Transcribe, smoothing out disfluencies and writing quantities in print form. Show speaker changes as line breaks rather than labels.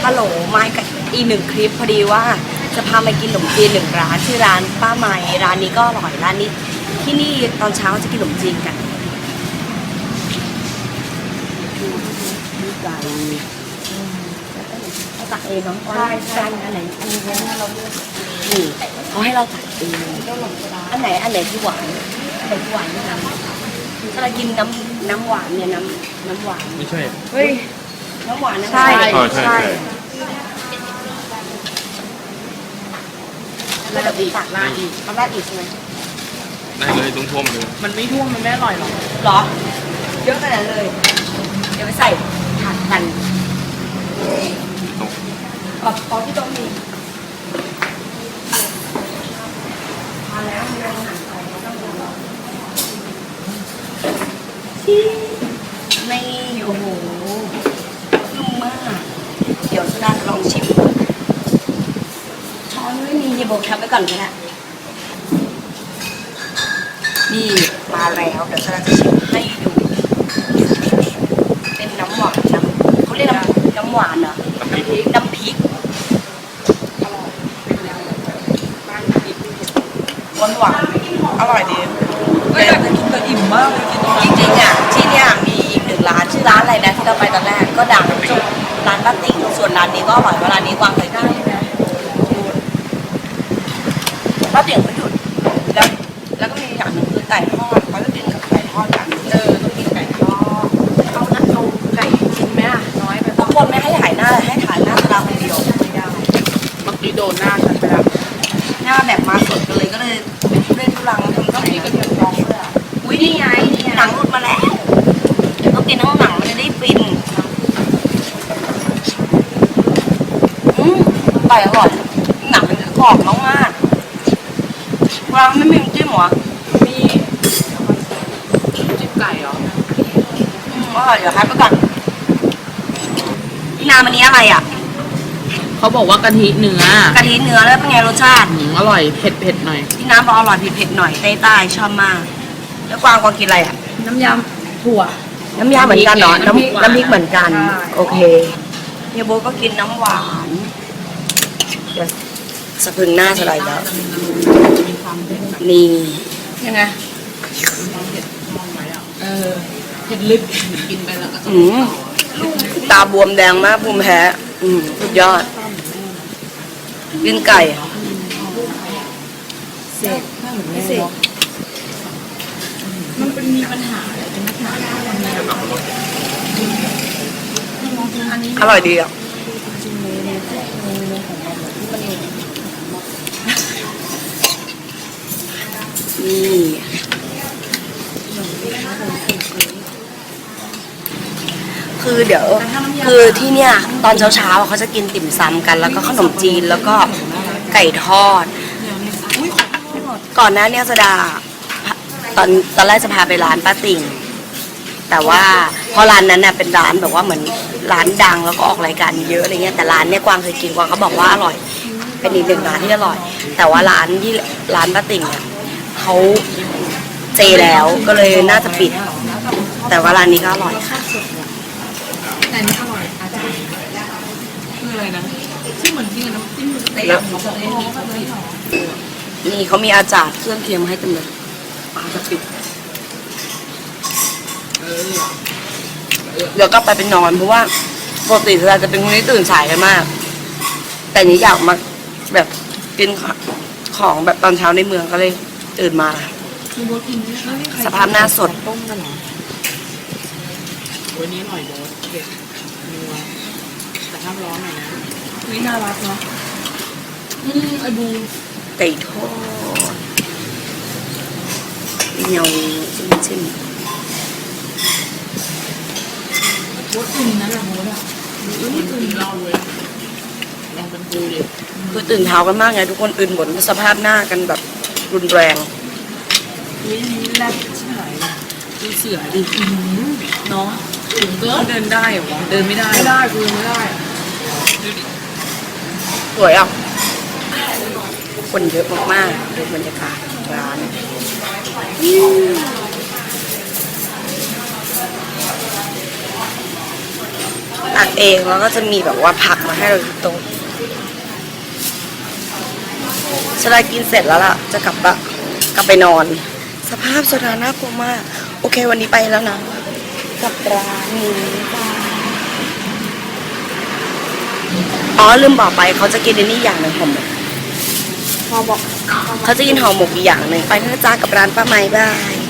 ฮัลโหลมาอีกหนึ่งคลิปพอดีว่าจะพามากินขนมจีน1 ร้านชื่อร้านป้าไม้ร้านนี้ก็อร่อยร้านนี้ที่นี่ตอนเช้าจะกินขนมจีนกันมีไก่เราตักเองน้องใช่อันไหนอันนี้เราเลือกนี่เขาให้เราตักเองอันไหนที่หวานอันไหนที่หวานนี่นะถ้าเรากินน้ำหวานเนี่ยน้ำหวาน
ไม่ใช่
เฮ้ยน้ำหวานนะ
ใช่
แล้วเราตักราดอีกราดอีกใช่ไหม
ได้เลยต้องท่วมเลย
มันไม่ท่วมมันไม่อร่อยหรอก
หรอเยอะขนาดเลยเดี๋ยวไปใส่ผักกันขอที่ตรงนี้มาแล้วมีอาหารไทยไม่ต้องรอนี่โอ้โหนุ่มมากเดี๋ยวสุดาจะลองชิมช้อนไม่มีเดี๋ยวบอกทับไว้ก่อนก็ได้นี่มาแล้วเดี๋ยวสุดาจะชิมให้ดูเป็นน้ำหวานเขาเรียกน้ำหวานเหรอน้ำพริกหวานอร่อยดี
แต่อิ่มมากเลยกิน
จริงๆอ่ะที่เนี่ยมีอีก1 ร้านชื่อร้านอะไรนะที่เราไปตอนแรกก็ดังร้านป้าติ๋งส่วนร้านนี้ก็อร่อยเพราะร้านนี้กวางเคยกินป้าติ๋งก็หยุดแล้วก็มีอย่างหนึ่งคือไก่ทอดเขาจะกินกับไก่ทอดกัน
ต้องกินไก่ทอดเอาไก่กินไหมอ่ะน้อยไป
บางคนไม่ให้ถ่ายหน้าให้ถ่ายหน้าตาคนเดียว
ไม่ได้เมื่อกี้โดนหน้าฉันไปแล้ว
หน้าแบบมาสดกันเลยก็เลยเล่นทุลังทำก็มีกระเทียมดองด้วยอุ้ยนี่ไงหนังหลุดมาแล้วเดี๋ยวต้องกินทั้งหนังมันจะได้ฟินไก่อร่อยหนังมันจะกรอบมากๆวางไม่มีจิ้มหรอ
มีจิ้มไก่เหรอ
อร่อยเดี๋ยวให้ไปก่อนพี่นาวันนี้อะไรอ่ะ
เขาบอกว่ากะทิเนื้อก
ะทิเนื้อแล้วเป็นไงรสชาติ
อร่อยเผ็ดหน่อย
พี่น้ำบอกอร่อยเผ็ดหน่อยใต้ชอบมากแล้วกวางกินอะไรอ่ะ
น้ำยำถั่ว
น้ำยาเหมือนกันเหรอน้ำพริกเหมือนกันโอเคเฮียโบก็กินน้ำหวานเดี๋ยวสะพึงหน้าสไลด์แล้วนี่
ยังไงเผ็ดลึกกินไปแล้วก็
ตาบวมแดงมากภูมิแพ้สุดยอดกินไก่
เสกไม่เสกมันเป็นมีปัญหาอะไรเป็นปัญหา
อร่อยดีอ่ะนี่คือเดี๋ยวคือที่เนี่ยตอนเช้าเขาจะกินติ่มซำกันแล้วก็ขนมจีนแล้วก็ไก่ทอดก่อนหน้านี้สดาตอนแรกจะพาไปร้านป้าติ่งแต่ว่าเพราะร้านนั้นน่ะเป็นร้านแบบว่าเหมือนร้านดังแล้วก็ออกรายการเยอะอะไรเงี้ยแต่ร้านเนี่ยกวางเคยกินกวางเขาบอกว่าอร่อยเป็นอีก1 ร้านที่อร่อยแต่ว่าร้านป้าติ่งเนี่ยเขาเจแล้วก็เลยน่าจะปิดแต่ว่าร้านนี้ก็อร่อยค่ะ
แต่นี่อร่อยอาจารย์คืออะไรนะที่เหมือนกินน้ำจิ้มเตะ
นี่เขามีอาจารย์เครื่องเคียงให้เต็มเลยจะปิดเดี๋ยวก็ไปนอนเพราะว่าปกติเราจะเป็นคนที่ตื่นสายกันมากแต่นี้อยากมาแบบกินของแบบตอนเช้าในเมืองก็เลยตื่นมาสภาพหน้าสด
ต้มกันเหรอวันนี้อร่อยโบ๊ทเด็ดนัวแต่ห้ามร้อนหน่อยนะวิน่ารักเนาะไอบู
ไก่ทอดเหนียวจิ้ม
โบ๊ทตื่นนะโบ๊ทอ่ะนี่ตื่นเราเลยลองเป็นดูดิ
คือตื่นเช้ากันมากไงทุกคนตื่นหมดสภาพหน้ากันแบบรุนแรง
นี่แรกใช่ดูเสือดิเนาะถึงก็เดินได้เหรอเดินไม่ได้คือไม่ได้ดูดิ
สวยอ่ะคนเยอะมากๆดูบรรยากาศร้านตักเองแล้วก็จะมีแบบว่าผักมาให้เราที่โต๊ะโซดากินเสร็จแล้วล่ะจะกลับไปนอน สภาพโซดาน่ากลัวมากโอเควันนี้ไปแล้วนะกับร้านนี้จ้าอ๋อลืมบอกไปเขาจะกินอันนี้อย่างหนึ่งห่อหมกเขาจะกินห่อหมกอีกอย่างหนึ่งไปนะจ๊ะกับร้านป้าไม้บาย